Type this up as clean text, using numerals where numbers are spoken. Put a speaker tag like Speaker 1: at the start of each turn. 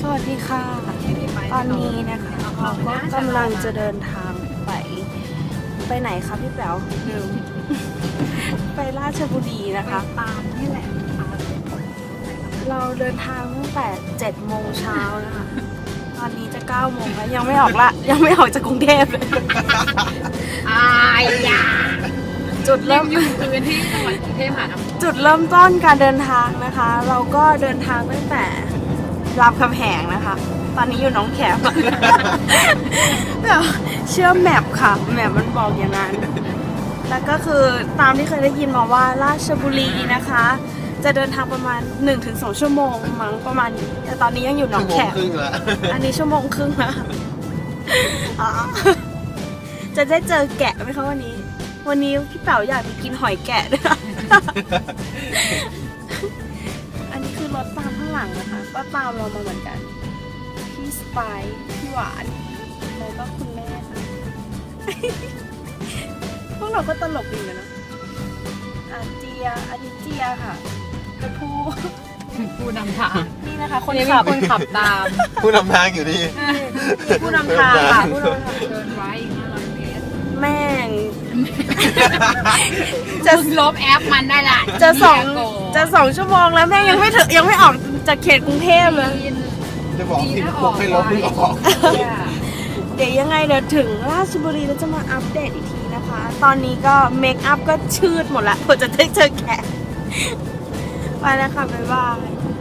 Speaker 1: สวัสดีค่ะ ตอนนี้นะคะเราก็กำลังจะเดินทางไปไหนคะพี่แป๋วลืม ไปราชบุรีนะคะ
Speaker 2: ตามนี่แหละ
Speaker 1: เราเดินทางตั้งแต่7 โมงเช้านะคะ ตอนนี้จะ9 โมงแล้วยังไม่ออกละ ยังไม่ออกจากกรุงเทพเลย
Speaker 2: อายยา
Speaker 1: จุดเริ่ม
Speaker 2: อยู่พื้นที่จังหวัดกรุงเทพมหานคร
Speaker 1: จุดเริ่มต้นการเดินทางนะคะ เราก็เดินทางตั้งแต่รามคำแหงนะคะ ตอนนี้อยู่หนองแขม แบบเชื่อแมปค่ะ แมปมันบอกอย่างนั้น แล้วก็คือตามที่เคยได้ยินมาว่าราชบุรีนะคะ จะเดินทางประมาณ 1-2 ชั่วโมงมั้งประมาณนี้แต่ตอนนี้ยังอยู่หนองแขม
Speaker 3: ครึ่งแล้ว
Speaker 1: อันนี้ชั่วโมงครึ่งแล้วอ๋อจะได้เจอแกะไหมคะวันนี้ วันนี้พี่เป๋าอยากไปกินหอยแกะด้วยค่ะ อันนี้คือรถตามข้างหลังนะคะ ก็ตามเรามาเหมือนกัน พี่สไปซ์พี่หวานแล้วก็คุณแม่ค่ะ พวกเราก็ตลกดีเหมือนกันนะอาเจียอันนี้เจียค่ะเป็นผู้
Speaker 2: ผู้นำทาง
Speaker 1: นี่นะคะ คน
Speaker 2: นี่มี
Speaker 1: ขับ
Speaker 2: คนขับตาม
Speaker 3: ผู้นำทางอยู่นี่
Speaker 1: ผู้นำทางค่ะผู้นำทาง
Speaker 2: เดินไว้อีก500 เมตร
Speaker 1: แม่ง
Speaker 2: จะลบแอปมันได้ละ
Speaker 1: จะ2 ชั่วโมงแล้วแม่ยังไม่ถึงยังไม่ออกจากเขตกรุงเทพเลย
Speaker 3: จะบอกที่พวกให้ลบไม่ออก
Speaker 1: เดี๋ยวยังไงเดี๋ยวถึงราชบุรีแล้วจะมาอัปเดตอีกทีนะคะ ตอนนี้ก็เมคอัพก็ชืดหมดละเพื่อจะได้เจอแขกไปแล้วค่ะบ๊ายบาย